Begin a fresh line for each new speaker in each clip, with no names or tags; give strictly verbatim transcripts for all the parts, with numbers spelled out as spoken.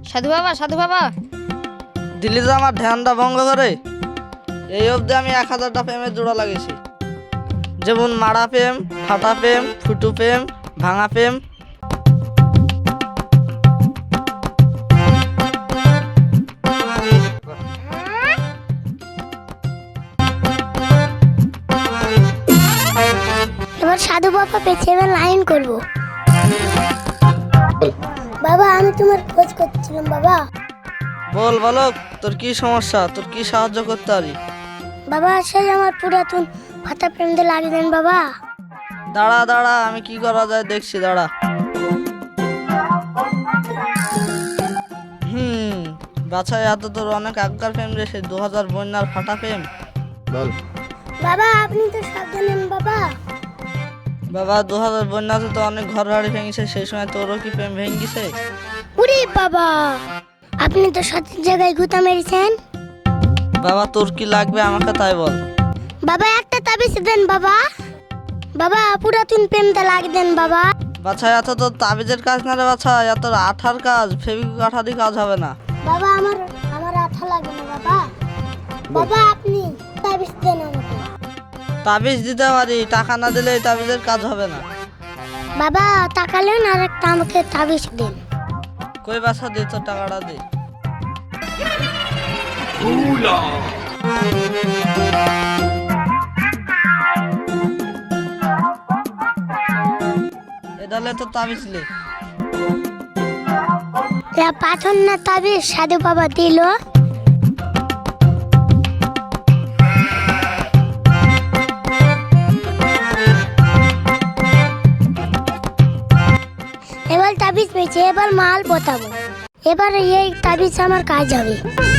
সাধু বাবা, সাধু বাবা।
দিল্লি তো আমার ধ্যানটা ভঙ্গ করে। এই অবধি আমি এক হাজারটা প্রেমের জোড়া লাগিয়েছি, যেমন মারা প্রেম, ফাটা প্রেম, ফুটু প্রেম, ভাঙা প্রেম।
এবার সাধু বাবা পেছে, এবার লাইন করবো। বাবা আমি তোমার খোঁজ করছিলাম। বাবা
বল বালক, তোর কি সমস্যা? তোর কি সাহায্য করতে পারি?
বাবা সেই আমার পুরাতন ফাটা প্রেম দিয়ে লাগিয়ে দেন বাবা।
দাঁড়া দাঁড়া, আমি কি করা যায় দেখছি, দাঁড়া। হুম বাছাই, এত তোর অনেক আগকার প্রেম রে, সেই দু হাজার বন্যার ফাটা প্রেম। বল
বাবা আপনি তো সব জানেন বাবা।
বাবা, দু হাজার বন্যাতে তো অনেক ঘর বাড়ি ভেঙেছে, সেই সময় তোরও কি প্রেম ভেঙেছে?
উরে বাবা, আপনি তো সঠিক জায়গায় গুতা মেরেছেন।
বাবা তোর কি লাগবে আমাকে তাই বল।
বাবা একটা তাবিজ দেন বাবা। বাবা পুরাতন প্রেমটা লাগিয়ে দেন বাবা।
বাছা, এত তোর তাবিজের কাজ না রে বাছা, এত আঠার কাজ, ফেবিক আঠারই কাজ হবে না।
বাবা আমার আমার আঠা লাগবে না বাবা। বাবা আপনি তাবিজ দেন আমাকে।
তাবিজ দিতে পারি, টাকা না দিলে এই তাবিজের কাজ হবে না।
বাবা টাকালেন আর একটা আমাকে তাবিজ দেন।
কই বাছা, দে তোর টাকাটা দে। এদালে তো তাবিজ লে।
পাথর না তাবিজ সাধু বাবা দিল। এবার তাবিজ পেয়েছে, এবার মাল পোতাবো। এবার এই তাবিজ আমার কাজ হবে।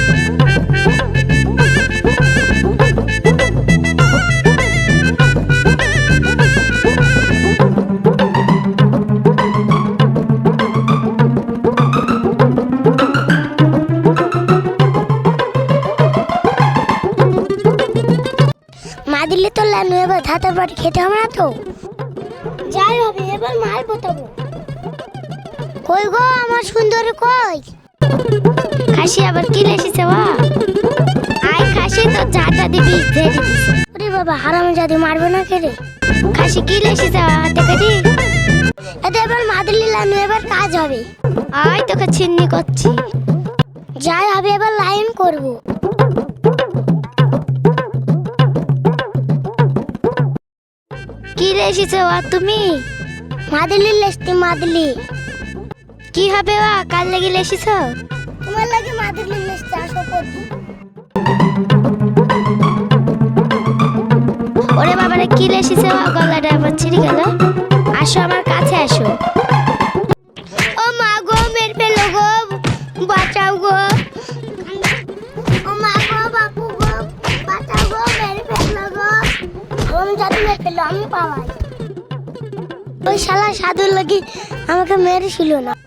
মা দিলে তো লানু, এবার ধাতের বাড়ি খেতে হবে না তো। যাই হবে, এবার মাল পোতাবো। কই গো আমার সুন্দরী কই? খাসি আবার কি লেসিছে বা? আই খাসি তো জাটা দিবি ধরে দিস। ওরে বাবা হারাম জাদি মারবে না কে রে? খাসি কি লেসিছে হাতে কাটি? এটা এবার মাদলি লানু, এবার কাজ হবে। আই তোকে ছিন্নি করছি। যাই হবে, এবার লাইন করব। কি লেসিছে বা তুমি? মাদলি লেসতি মাদলি। কি হবে বা কাল লাগি লেসিছ? তোমার লাগি মাদলি লেসতে আসো করতে। ওরে বাবারে কি লেসিছে বা, গলাটা আবার ছিড়ে গেল। আসো আমার কাছে আসো। ও মা গো মেরে ফেলো গো, বাঁচাও গো। ও মা গো বাপু গো, বাঁচাও গো, মেরে ফেলো গো। আমি জানি মেরে ফেলো, আমি পাওয়াই। ওই শালা সাধুর লাগি আমাকে মেরেছিল না।